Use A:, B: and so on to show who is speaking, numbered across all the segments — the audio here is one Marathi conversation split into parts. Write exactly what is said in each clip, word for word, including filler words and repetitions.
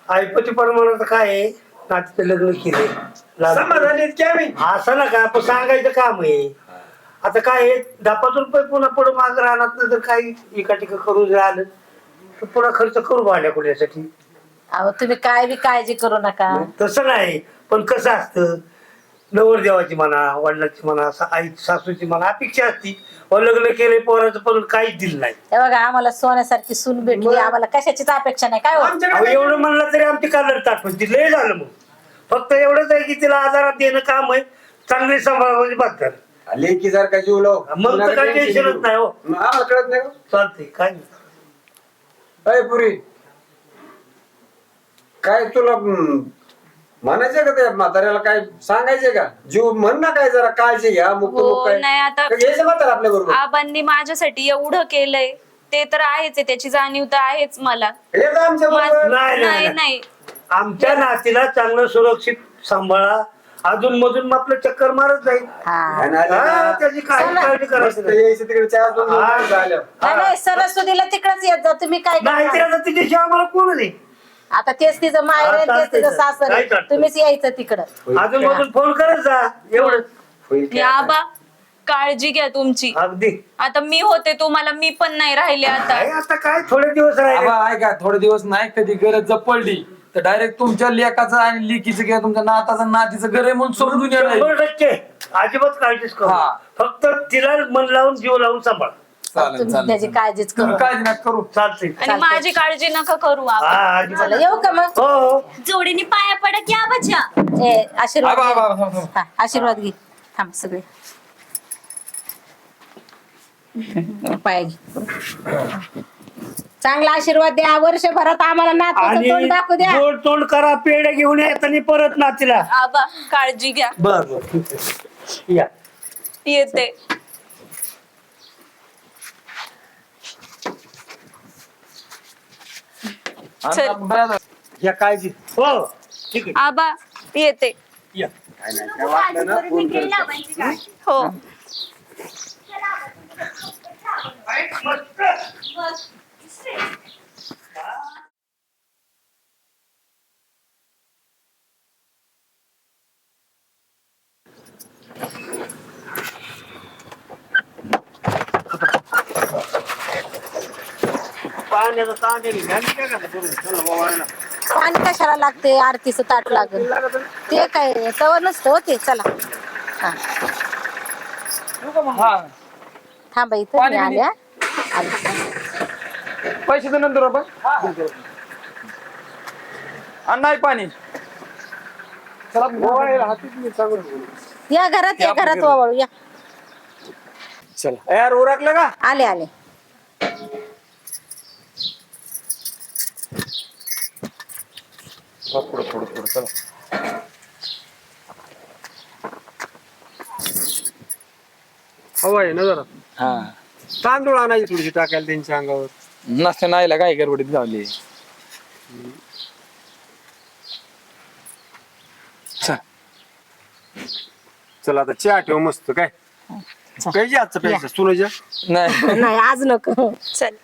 A: ऐपती प्रमाणात काय आहे, नातीचं लग्न केले
B: समाधानी काय मी
A: असं ना का आपण सांगायचं काम आहे. आता काय आहे, दहा पाच रुपये पुन्हा पुढे माग राहणार जर काही एका टिका करून जर आलं तर पुन्हा खर्च करू भाड्या कुठल्यासाठी.
C: अहो तुम्ही काय बी काळजी करू नका.
A: तसं नाही, पण कसं असतं नवरदेवाची म्हणा, वडिलांची म्हणा, आई सासूची म्हणा अपेक्षा असती. लग्न केले पोराचं पण काहीच दिलं नाही.
C: हे बघा आम्हाला सोन्यासारखी सून भेटली, आम्हाला कशाचीच अपेक्षा नाही. काय हो?
A: अहो, एवढं म्हणलं तरी आमची कालर ताटून ती लय झालं. मग फक्त एवढंच आहे की तिला आजारात देणं काम आहे, चांगली सांभाळायची बात कर.
B: लेकी जर का जीव लाव
A: मग तर काही टेन्शनच नाही हो.
B: आम्हाला कळत नाही
A: चालते काय नाही.
B: अय पुरी काय तुला हम्म, म्हणायचंय का त्या म्हाताऱ्याला काय सांगायचंय का? जीव म्हण ना काय जरा काळजी घ्या मुक्त
D: हो, नाही आता
B: घ्यायचं म्हातारा आपल्या बरोबर.
D: आबांनी माझ्यासाठी एवढं केलंय ते तर आहेच आहे, त्याची जाणीव तर आहेच मला.
B: हे का आमच्या बरोबर?
A: नाही, नाही,
D: नाही
A: नाही.
D: नाही
A: आमच्या नातीला चांगलं सुरक्षित सांभाळा. अजून मधून आपलं चक्कर मारत जाईल.
C: हा
B: आणि आले
A: हा,
B: ना,
A: त्याची काही काळजी
B: मस्त
A: करायची नाही.
B: यायचं तिकडे चार दोन दोन
A: हा.
B: दिवस झालं.
C: नाही, नाही सरस्वतीला तिकडच येत जा. तुम्ही काय
A: नाही
C: करणार?
A: ते आता तिच्याशिवाय आम्हाला कोण नाही.
C: आता तेच तिचं माहेर आहे,
A: हा,
C: तेच तिचं
A: चालतंय.
C: सासर
A: काय
C: आहे.
A: चालतंय.
C: तुम्हीच यायचं तिकडं.
B: होईल
A: अजून
B: काय?
A: मधून फोन करत जा एवढं.
B: होईल
D: हे
B: काय?
D: आबा काळजी घ्या तुमची.
A: अगदी
D: आता मी होते तुम्हाला, मी पण नाही राहिले आता.
A: काय आता काय थोडे दिवस राहिले.
E: आबा ऐका थोडे दिवस नाही, कधी गरज जर पडली तर डायरेक्ट तुमच्या लेकाचं आणि लेकीचं किंवा तुमच्या नाताचं नातीचं घर आहे म्हणून समजून येणार.
A: शंभर टक्के अजिबात काळजीच करू.
E: हा.
A: फक्त तिला मन लावून जीव लावून सांभाळ.
E: चालेल
C: तुम्ही
E: चालेल
C: त्याची काळजीच करू.
E: तुम्ही काळजी नका करू.
A: चालते.
D: आणि माझी काळजी नका करू
A: हा
D: आबा.
A: अजिबात.
C: चला येऊ का मग?
A: हो हो.
D: जोडीने पाया पडा की आबाच्या.
C: ए आशीर्वाद
E: आबा,
C: घे.
E: आबा, आबा, आबा.
C: हा, आशीर्वाद घे. थांब सगळे पाय घे. चांगला आशीर्वाद द्या. वर्षभरात आम्हाला नातवाचं तोंड दाखवू द्या.
A: आणि गोड तोंड करा, पेढे घेऊन येताना परत नातीला.
D: आबा काळजी घ्या.
A: बर बर ठीक आहे. या
D: येते.
E: आणि
D: चल.
E: आपण बाहेर-
A: या काळजी. हो ठीक आहे.
D: आबा येते.
A: या.
B: काय नाही, काय वाटलं ना, फोन कर.
D: हो
A: मस्त. पाण्याचा ताण आहे. घ्या ना, काय करता करून. चला बाबा, आणा.
C: पाणी कशाला लागते? आरतीचं ताट लागेल ते काय तवर नसतं हो ते. चला हा
E: हा
C: थांबा इथं
E: पाणी
C: मी
E: बिणी?
C: आल्या आले.
E: पैसे तर नंतर आपण आणि नाही पाणी. चला
B: मोबाईल हातीत मी सांगून बोलू.
C: या घरात या घरात वावळू या.
B: चला यार उरकलं का?
C: आले आले.
E: पुढे पुढे पुढे चला.
B: हवा आहे ना जरा.
E: हा
B: तांदूळ आणायची थोडीशी टाकायला त्यांच्या अंगावर.
E: नसते नाहीला काय गडबडीत गावली. चल.
B: चला आता चहा ठेव मस्त काय पाहिजे आजचं प्यायचं सुनाच्या.
E: नाही
C: नाही आज नको.
D: चल.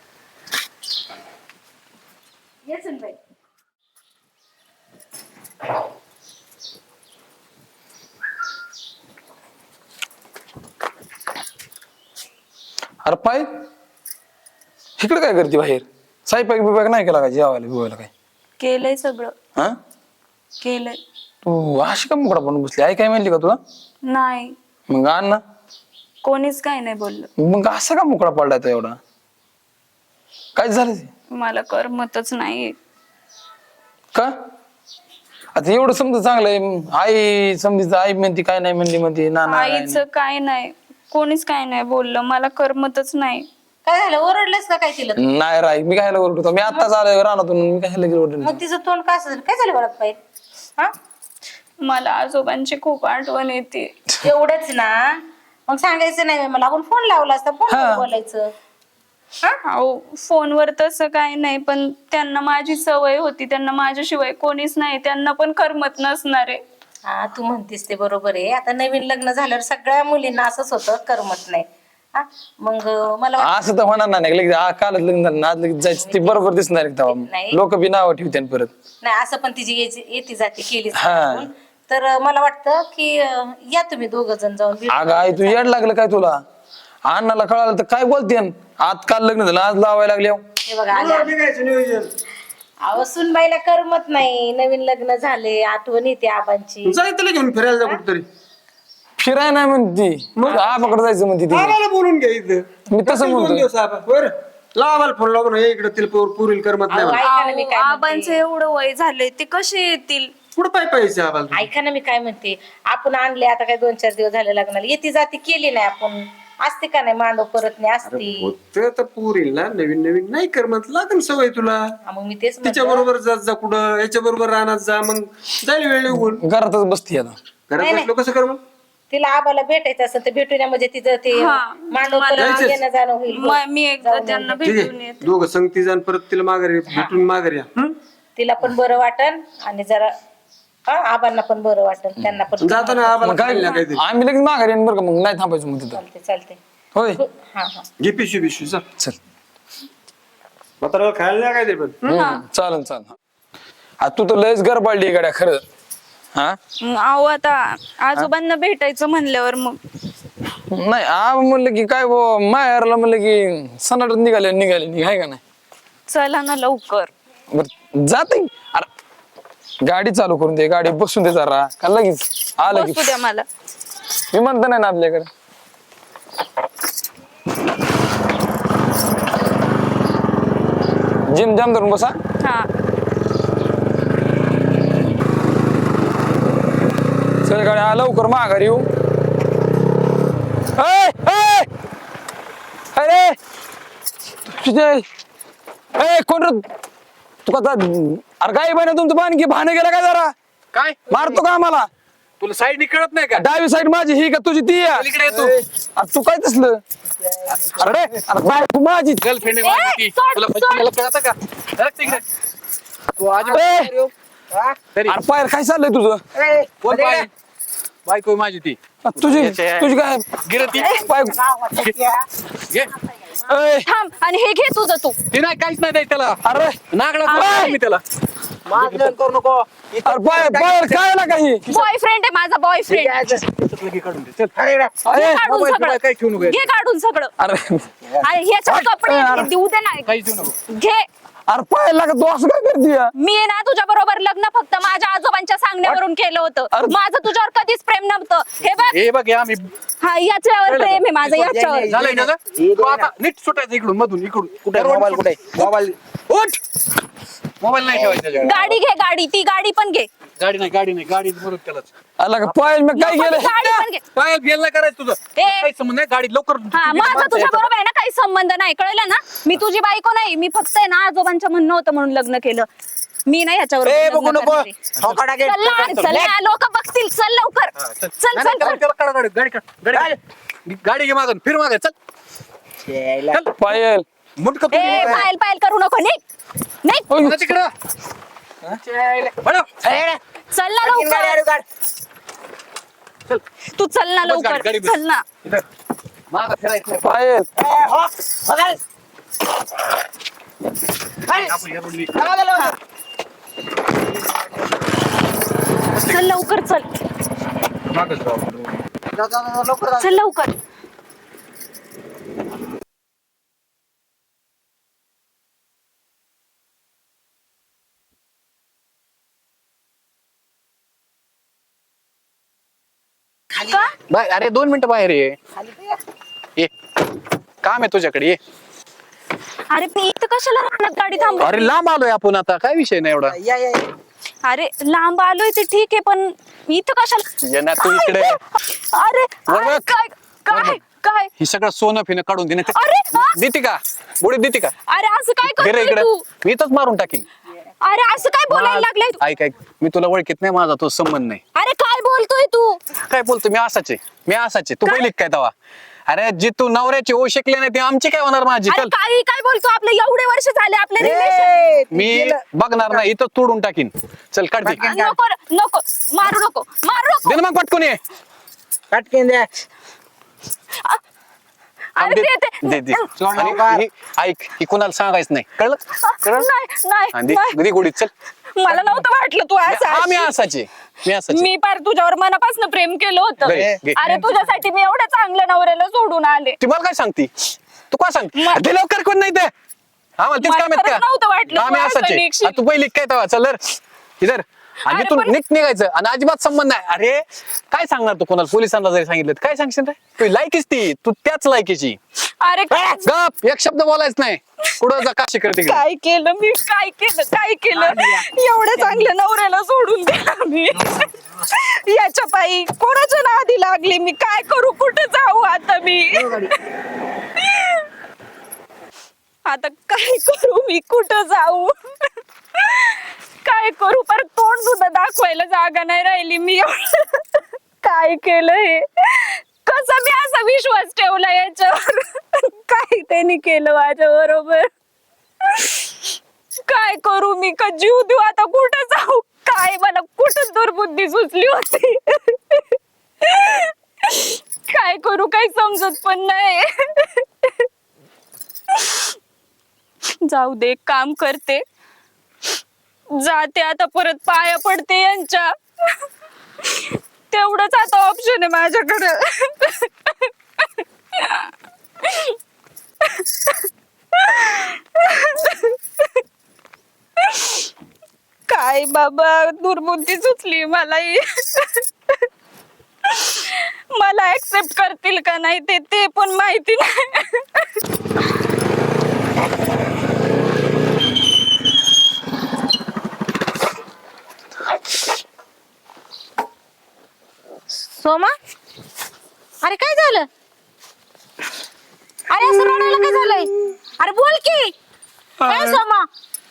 E: अरे पाय इकडे काय करते बाहेर? साईपाक बिपाक नाही केला का जेवायला बिवायला काय?
D: केलंय सगळं.
E: हा
D: केलंय.
E: तू अशी का मुकडा पण बसली? आई काय म्हणली का तुला?
D: नाही
E: मग आण ना.
D: कोणीच काही नाही बोललं.
E: मग असं का मुकडा पडलाय तो एवढा? काय झालं ते?
D: मला करमतच नाही.
E: का आता एवढं समजा चांगलं आहे. आई समजा आई म्हणते काय नाही म्हणली म्हणते ना ना
D: आईचं काय नाही, कोणीच काय नाही बोललं. मला करमतच नाही.
C: काय झालं? ओरडलेस का काय तिला?
E: नाही राय मी काय ओरडतो? मी आत्ताच आलोय रानातून. मी काय ओरडलो?
C: मग तिचं तोंड काय असं झालं? काय झालं बरं पाहिजे? हा
D: मला आजोबांची खूप आठवण येते.
C: एवढंच ना? मग सांगायचं नाही मला. आपण फोन लावला असता. फोन बोलायचं.
D: अहो फोनवर तसं काय नाही, पण त्यांना माझी सवय होती. त्यांना माझ्याशिवाय कोणीच नाही. त्यांना पण करमत नसणार आहे.
C: हा तू म्हणतीस ते बरोबर आहे. आता नवीन लग्न झाल्यावर सगळ्या मुलींना असंच होतं, करमत नाही. हा? मग मला वाटतं-
E: असं तर होणार नाही लगेच आ, कालच लग्न झालं ना, आज लगेच जायचं ते बरोबर दिसणार आहे तेव्हा
C: नाही.
E: लोक बी नाव ठेवते परत.
C: नाही असं पण तिची येची- येती जाती केली
E: हा.
C: तर अं, मला वाटतं की अं, या तुम्ही दोघ जण जाऊन भेटून
E: अगं आई तू येड लागलं काय तुला? अण्णाला कळालं तर काय बोलते आज काल लग्न झालं आज लावायला लागले
C: हे बघा आल्या
B: निघायचं नियोजन
C: अहो सुनबाईला करमत नाही नवीन लग्न झाले आठवण येते आबांची
B: जाय त्याला घेऊन फिरायला जा कुठतरी
E: फिराय नाही म्हणती आबाकडे जायचं म्हणते ती
B: आम्हाला बोलून घ्या इथं
E: मी तसं
B: दोन
E: म्हणतोय.
B: दिवस आबा बरं लावायला फोन लावून हे इकडे तिला पोर- पोरीला करमत नाही
C: अहो,
B: म्हणा.
C: ऐका ना मी काय
D: आबांचं
C: म्हणते.
D: एवढं वय झालंय ते कसे येतील?
B: कुठं पाय पाहिजे आम्हाला
C: ऐका ना मी काय म्हणते आपण आणले आता काय दोन चार दिवस झाले लग्नाला येती जाती केली नाही आपण असते का नाही मांडव परत नाही असती
B: होत तर पोरीला नवीन नवीन नाही करमत लागेल सवय तुला
C: हा, मग मी तेच
B: तिच्या
C: म्हणलं.
B: बरोबर जात जा कुठं याच्या बरोबर राहणार जा मग जाईल वेळ निघून
E: घरातच बसती आता
B: घरात
C: नाही,
B: बसलो कसं कर मग
C: तिला आबाला भेटायचं असं तर भेटूया म्हणजे तिचं ते
D: हा.
C: मांडव परत
B: जायचंच.
C: येणं जाणं होईल
D: म- मी एकदा
C: जाऊन
D: त्यांना
B: ठीक
D: भेटून
B: आहे
D: येते.
B: दोघं संगती जाण परत तिला माघारी भेटून माघारी या हं?
C: तिला पण बरं वाटन आणि जरा हा आबांना पण बरं वाटन त्यांना पण
B: जाताना आम्हाला
E: मग काय
B: खायला काहीतरी
E: आम्ही लगेच माघारी येईन बरं का मग नाही थांबायचं मग तिथं
C: चालते चालते
E: होय
C: हा हा
B: घे पिशवी पिशवी जा
E: चल
B: म्हातारा खायला नाही काहीतरी पण
E: हम्म, चालन चालन आ, तू तर लयच गरबाळली गाड्या खरं हा
D: मग अहो आता आजोबांना भेटायचं म्हणल्यावर मग
E: नाही आ म्हणलं की काय बो माहेरला म्हणलं की सनाटत निघाले निघाले निघाय का नाही
D: चला ना लवकर.
E: बर जाते अरे गाडी चालू करून दे गाडी बसून दे जरा का लगेच आलं की
D: बसू द्या मला.
E: मी म्हणतो नाही ना आपल्याकडे जिम जाम धरून बसा
D: हा
E: चल गाडी लवकर माघारी येऊ ए, ए! अरे तुझे ए कोण रे? तू कसा अरे काय बने तुमचं बाणकी भाने गेला काय जरा
F: काय
E: मारतो का आम्हाला
F: तुला साईड कळत नाही का?
E: डावी साईड माझी ही का तुझी ती आहे?
F: पलीकडे ये तू.
E: अरे तू काय तसलं अरे अरे बाय तू माझी
F: गर्लफ्रेंड आहे माझी ती.
D: सोड,
F: तुला तुला कळतं का? सरक तिकडे. तू आज
E: ए!
F: तरी
E: अरे पायर काय चाललंय तुझं
F: कोण बाई? बायको आहे माझी ती
E: तुझी
F: याच्या-
E: तुझी काय
F: गिरती
E: पाय
F: घे
E: ए,
D: थांब आणि हे घे तुझं तू.
F: ती नाही काहीच नाही द्यायचं त्याला
E: अरे
F: नागडा मी त्याला
B: करू नको
E: अरे पाय पायर काय ना काही
D: बॉयफ्रेंड आहे माझा बॉयफ्रेंड.
F: काढून दे चल
E: अरे
D: काढून
F: मोबाईल
D: सगळं
F: काही ठेवू नको
D: घे काढून सगळं.
E: अरे
D: आणि ह्याच्यात कपडे
E: अरे.
D: देऊ दे ना.
F: काही ठेवू नको
D: घे.
E: अरे पाय लागा तू असं काय करते
D: मी आहे ना तुझ्या बरोबर लग्न फक्त माझ्या आजोबांच्या सांगण्यावरून केलं होतं.
E: अरे.
D: माझं तुझ्यावर कधीच प्रेम नव्हतं. हे बघ
F: हे बघ हे आम्ही
D: हा याच्यावर प्रेम आहे माझं याच्यावर.
F: झालंय ना गं? तू आता नीट सुटायचं इकडून मधून इकडून कुठे मोबाईल कुठे मोबाईल उठ मोबाईल नाही ठेवायचा त्याच्यावर.
D: गाडी घे गाडी ती गाडी पण घे.
F: गाडी नाही गाडी नाही गाडी बरोबर त्यालाच
E: आला का पाय मी काय
D: नको ती
E: केलं
D: गाडी पण घे.
F: काय गेल नाही करायचं तुझं
D: ए.
F: काही संबंध नाही गाडी लवकर
D: हा माझा तुझ्या बरोबर आहे ना काही संबंध नाही कळलं ना. मी तुझी बायको नाही मी फक्त आहे ना आजोबांचं म्हणणं होतं म्हणून लग्न केलं. मी नाही ह्याच्यावर लग्न करणारे. चल ना, चल ना, लोक बघतील. चल लवकर चल चल चल.
F: त्याला काढा गाडी गाडी काढ गाडी गाडी घे मागून फिर मागे चल चल
E: पायल
F: मुंडक
D: ए पायल पायल करू नको निघ निघ.
F: तिकडं बडं.
D: चल ना लवकर. तू चल ना
F: बस गाडी,
D: लवकर
F: गाडी बस.
D: चल ना.
F: इथं. मागं फिरायचं.
E: पायल
F: आपण या रोडनी.
D: चल लवकर चल
F: मागंच राहू.
D: चल लवकर. का
F: बाय अरे दोन मिनिटं बाहेर ये ये काम आहे तुझ्याकडे ये
D: अरे मी इथं कशाला राहणार गाडी थांब.
F: अरे लांब आलोय आपण आता काय विषय नाही एवढा
D: अरे लांब आलोय ते ठीक आहे पण इथं कशाला.
F: ये ना तू इकडे.
D: अरे
F: वर
D: अरे
F: बघ.
D: काय काय काय
F: ही सगळं सोनं फिनं काढून देणे
D: अरे, हा?
F: देते का बुडी देते का
D: अरे असं काय
F: घे रे
D: करतोय
F: इकडे
D: तू.
F: मी इथंच मारून टाकीन
D: अरे असं काय बोलायला लागलाय तू.
F: ऐक ऐक मी तुला ओळखीत नाही माझा तो संबंध नाही
D: अरे काय बोलतोय तू.
F: काय बोलतो मी असाच आहे मी असाच आहे तू
D: काय?
F: पहिली काय तवा अरे जी तू नवऱ्याची ओ शिकले नाही ती आमची काय होणार माझी
D: अरे
F: चल
D: काही काय बोलतो आपले एवढे वर्ष झाले आपले रिलेशन.
F: मी बघणार नाही इथं तोडून टाकीन चल काढ दे
D: नको नको मारू नको मारू नको.
F: दे ना मग पटकून ये
B: पटकन द्या
E: थांब,
D: अरे
E: दे
D: देते.
E: दे दे. आणि ही- ऐक ही कोणाला सांगायचं नाही कळलं कळलं
D: नाही नाही
E: आणि
D: नाही.
E: दे गोडीत चल
D: मला नव्हतं वाटलं तू असं
E: हा मी
D: असशील.
E: असाचे मी असाचे
D: मी पार तुझ्यावर मनापासून प्रेम केलं होतं.
E: घे, घे.
D: अरे तुझ्यासाठी मी एवढ्या चांगल्या नवऱ्याला सोडून आले.
E: ती मला काय सांगती तू काय सांगते
D: म-
E: ते लवकर कोण नाही ते आम्हाला तेच
D: मला
E: काम आहेत
D: खरंच नव्हतं वाटलं
E: का
D: तू
E: आम्ही
D: असं
E: असाचे
D: निघशील.
E: आ, तू पहिली काय तेव्हा चल धर. इधर आणि
D: अरे
E: तू
D: पण-
E: नीट निघायचं आणि अजिबात संबंध नाही अरे काय सांगणार तू कोणाला पोलिसांना जरी सांगितलं तर काय सांगशील रे तू लायकीच ती तू त्याच लायकीची
D: अरे
E: गप एक शब्द बोलायच नाही कुठं जा काशी करते
D: काय केलं मी काय केलं काय केलं एवढ्या चांगल्या नवऱ्याला सोडून दिला मी याच्या पायी कोणाच्या नादी लागली मी काय करू कुठे जाऊ आता मी आता काय करू मी कुठं जाऊ काय करू पर तोंड सुद्धा दाखवायला जागा नाही राहिली मी एवढं काय केलं हे कसा मी असा विश्वास ठेवला याच्यावर काय त्यांनी केलं माझ्या बरोबर काय करू मी का जीव देऊ आता कुठं जाऊ काय मला कुठं दुर्बुद्धी सुचली होती काय करू काही समजत पण नाही जाऊ दे काम करते जाते आता परत पाया पडते यांच्या तेवढंच आता ऑप्शन आहे माझ्याकडे काय बाबा दुर्बुद्धी सुचली मलाही मला ऍक्सेप्ट करतील का नाही ते ते पण माहिती नाही
C: सोमा अरे काय झालं अरे असं रडायला काय झालंय अरे बोल की काय सोमा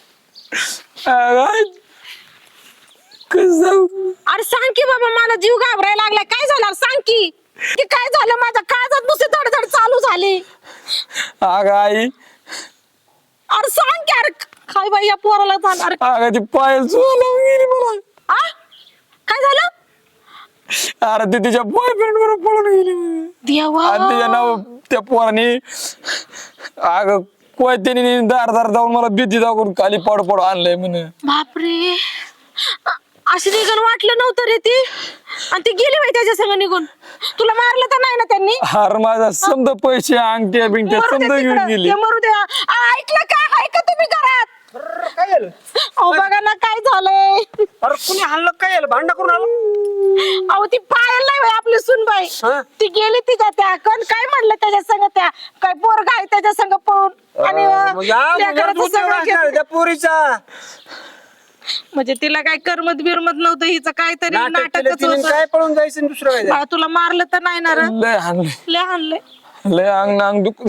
C: अरे सांग की बाबा मला जीव घाबरायला लागलाय काय झालं सांग की की काय झालं माझ्या काळजात नुसते धडधड चालू झाली
E: अगं आई
C: अरे सांग की अरे काय बाई या पोराला जाणार
E: अगं ती पाय लावून गेली मला
C: आ काय झालं
E: अरे ती तिच्या बॉयफ्रेंड बरोबर पळून गेली
C: देवा
E: आणि तिच्या नाव त्या पोराने अगं कोयत्याने दार दार जाऊन मला भीती दाखवून खाली पड पड आणलंय म्हणे
C: बापरे अ- अशी निघून वाटलं नव्हतं रे ती आणि ती गेली बाई त्याच्या संग निघून तुला मारलं तर नाही ना त्यांनी
E: हार माझा समजा पैसे अंगठ्या बिंगट्या
C: मरू दे
E: समजा घेऊन
C: तिकडं,
E: गेली
C: ते मरू दे आ, ऐकलं का ऐका तुम्ही घरात
A: काय झालं
C: अहो बघा ना काय झालंय
A: अरे कुणी हल्लं काय झालं भांडण करून आलं
C: अहो ती पायल नाही बाई आपली सुनबाई
A: हा?
C: ती गेली तिच्या त्या कोण काय म्हणलं त्याच्या संग त्या काय पोरगा आहे त्याच्या संग पळून आणि अ,
A: मग या
C: लेकराचं
A: मुलाला
C: सगळं
A: उद्योग असणार
C: घेतलं.
A: त्या पोरीचा
C: म्हणजे तिला काय करमत बिरमत नव्हतं हिचं काहीतरी
A: नाटक केलं
C: नाटकच
A: तिने,
C: होतं
A: काय पळून जायचं आणि दुसरं काय
C: बाळा, तुला मारलं तर नाही ना रे
E: लय हाणलंय
C: लय आणलंय
E: लय अंग अंग दुख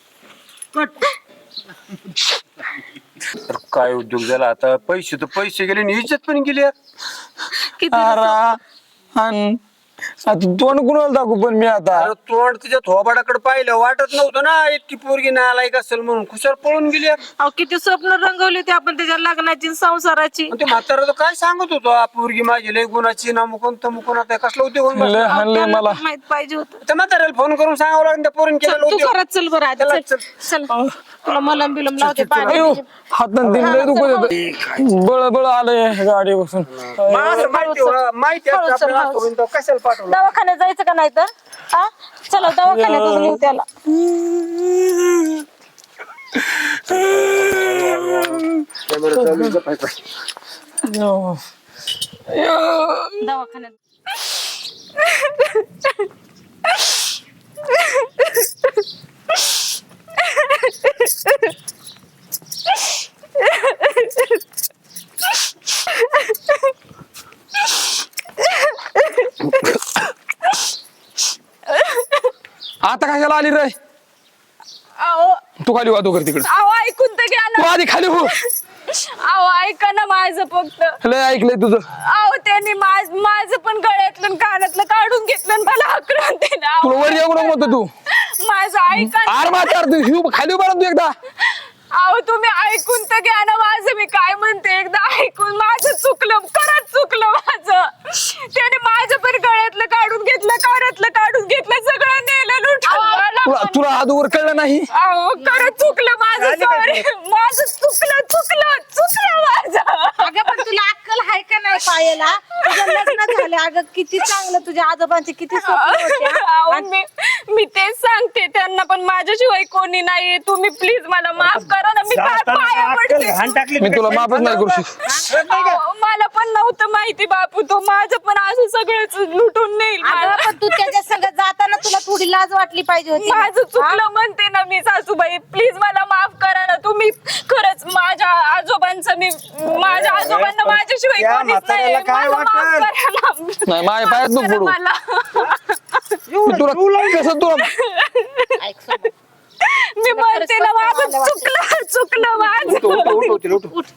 B: तर काय उद्योग झाला आता पैसे तर पैसे गेले आणि इज्जत पण गेली यार.
C: किती
E: अरे आणि आता तोंड कुणाला दाखवू पण मी आता
B: अरे तोंड तिच्या थोबाडाकडे पाहिलं वाटत नव्हतं ना इतकी पोरगी नालायक असेल म्हणून खुशाल पळून गेली यार.
C: अहो किती स्वप्न रंगवली ते आपण त्याच्या लग्नाची आणि संसाराची
B: आणि ते म्हातारा तर काय सांगत होतो "आ, पोरगी माझी लय गुणाची ना मुकोन तमुकोन आता कसला उद्योग होऊन बसला?"
E: लय हाणलंय
C: त्यांना
E: मला
C: पण माहित पाहिजे होतं
B: त्या म्हाताऱ्याला फोन करून सांगावं लागेल त्या पोरीने
C: चल,
B: केलेला
C: तू
B: उद्योग
C: घरात चल बरं आधी
B: चला,
C: चल चल तुला मलम बिलम लावते पाणी
E: अयो हातात दिन लय दुखत होतं बळ बळ आलंय गाडी बसून
B: मग असं माहिती हो- माहिती असतं
C: हळू चल,
B: आपल्याला
C: हळू.
B: असतं, पण तो कशाला पाठवलं
C: दवाखान्यात जायचं का नाही तर हा चला दवाखान्यातच नेऊ त्याला
B: कॅमेरा चालू आहे, जपायचा.
E: अयो.
C: दवाखान्यात
E: आता कशाला आली रे
D: अहो
E: तू खाली वाहतो कर तिकडे
D: अहो ऐकून तर घ्या
E: तू
D: ना
E: आधी खाली हो
D: अहो ऐका ना माझं फक्त
E: लय ऐकलंय तुझं
D: अहो त्यांनी माझ माझं पण गळ्यातलं आणि कानातलं काढून घेतलं आणि मला आक्रमण दिलं अहो,
E: तुला वर येऊ नको म्हणतो तू
D: माझं ऐका ना.
E: आर मार तू हिव खाली उभा राहा तू एकदा
D: अहो तुम्ही ऐकून तर घ्या ना माझं मी काय म्हणते एकदा ऐकून माझं चुकलं खरंच चुकलं माझं त्याने माझं पण गळ्यातलं काढून घेतलं कानातलं काढून घेतलं सगळं नेलं लुटून मला
E: तुला
D: पण-
E: तुला अगोदर कळलं नाही?
D: अहो खरं चुकलं माझं, सॉरी माझं चुकलं चुकलं चुकलं माझं.
C: अगं पण तुला अक्कल आहे का नाही पायाला? तुझं लग्न झालं अगं, किती चांगलं तुझ्या आजोबांचे किती स्वप्न होते, हा?
D: अहो, मी मी तेच सांगते त्यांना, पण माझ्याशिवाय कोणी नाहीये. तुम्ही प्लीज मला माफ करा ना, मी काय
A: जाताना
D: पाया
A: अक्कल
D: पडते.
A: घाण टाकली
E: मी तुला
A: कशी?
E: माफच नाही करू शकत.
D: अहो, मला पण नव्हतं माहिती बापू, तो माझं पण असं सगळंच लुटून नेईल
C: अगं
D: मला.
C: पण तू त्याच्या संग जाताना तुला थोडी लाज वाटली पाहिजे होती.
D: माझं चुकलं म्हणते ना मी सासूबाई, प्लीज मला माफ करा ना तुम्ही. खरंच माझ्या आजोबांचं मी माझ्या आजोबांना माझ्याशिवाय
A: त्या
D: कोणीच नाही.
A: म्हाताऱ्याला काय
D: मला माफ
A: वाटेल?
D: करा ना.
E: नाही माझ्या पायात
D: माफ
E: नको
D: करा
E: पडू.
D: मला.
E: मी तुला कसं तुला
C: ऐक सोबत.
D: मी म्हणते ना माझं चुकलं चुकलं माझं.
F: उठ, उठ, उठ, उठ.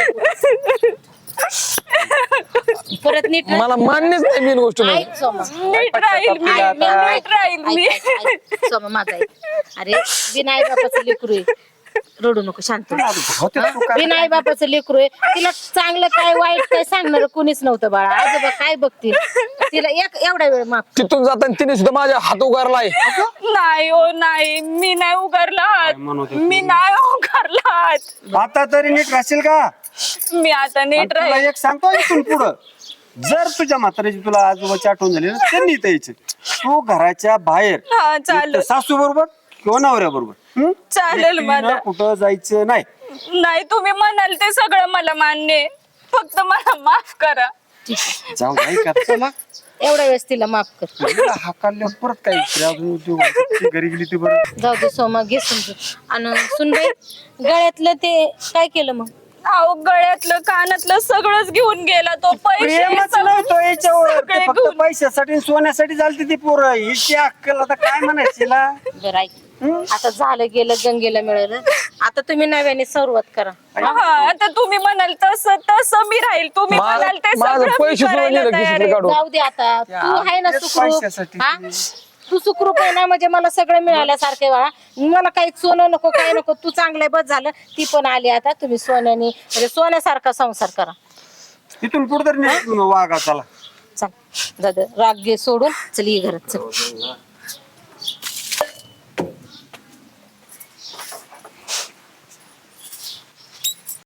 C: परत नीट राह.
E: मला मान्यच नाही मेन गोष्ट म्हणजे.
C: ऐक सोमा.
D: नीट राहील मी
C: ऐक, मी-
D: नीट राहील मी.
C: ऐक, ऐक, ऐक. सोमा माझा ऐक. अरे बिनाई बापाचं लेकरू आहे, रडू नको, शांत हो. बिनाई बापाचं लेकरू आहे, तिला चांगलं काय वाईट काय सांगणार कोणीच नव्हतं बाळा. आजोबा काय बघतील तिला, एक एवढा वेळ माफ.
E: तिथून जाताना तिने सुद्धा माझ्या हात उगारलाय.
D: नाही हो नाही, मी नाही उगारला हात. मी नाही उगारला हात.
B: आता तरी नीट राहशील का?
D: मी आता
B: आणि
D: नीट
B: तुला
D: राहील.
B: एक सांगतो इथून पुढं, जर तुझ्या म्हाताऱ्याची तुला आजोबाची आठवण झाली ना, त्यांनी इथं यायचं. तू घराच्या बाहेर
D: हा चालेल
B: सासू बरोबर किंवा नवऱ्या बरोबर
D: चालेल मला.
B: कुठं जायचं नाही.
D: नाही तुम्ही म्हणाल ते सगळं मला मान्य आहे. फक्त मला माफ करा.
B: जाऊ नाही का चला.
C: एवढ्या वेळेस तिला माफ कर.
B: हाकाल्या परत काय इकडे अजून उद्योग आहे. ती घरी गेली ती बरं.
C: जाऊ दे सोमा, घे समजून. आणि सुनबाई गळ्यातलं ते काय केलं मग?
D: अहो गळ्यातलं कानातलं सगळंच घेऊन गेला तो. पैसे
B: प्रेमच
D: सगळे-
B: नव्हतं याच्यावर, ते
D: सगळे
B: फक्त
D: घेऊन-
B: पैशासाठी आणि सोन्यासाठी झालती ती पोरं. हिची अक्कल आता काय म्हणायची तिला?
C: बरं ऐक, आता झालं गेलं, गंगेला मिळालं, आता तुम्ही नव्याने सुरुवात करा.
D: हा आता तुम्ही म्हणाल तसं तसं मी राहील. तुम्ही
E: मा-
D: म्हणाल ते
E: माझं
D: सगळं मी
E: पैसे
D: करायला
E: सोडून
D: तयार
E: गेलं
D: आहे.
E: काढून.
C: जाऊ दे आता, तू आहे ना
B: तेच
C: सुखरूप,
B: पैशासाठी.
C: हा? तू सुखरूप आहे ना, म्हणजे मला सगळं मिळाल्यासारखे बाळा. मला काही सोनं नको, काय नको, तू चांगलं बस झालं. ती पण आली आता, तुम्ही सोन्याने म्हणजे सोन्यासारखा संसार करा.
B: इथून पुढे तर नीट वागा चला.
C: चल दादा, राग घे सोडून, चल ये घरात चल.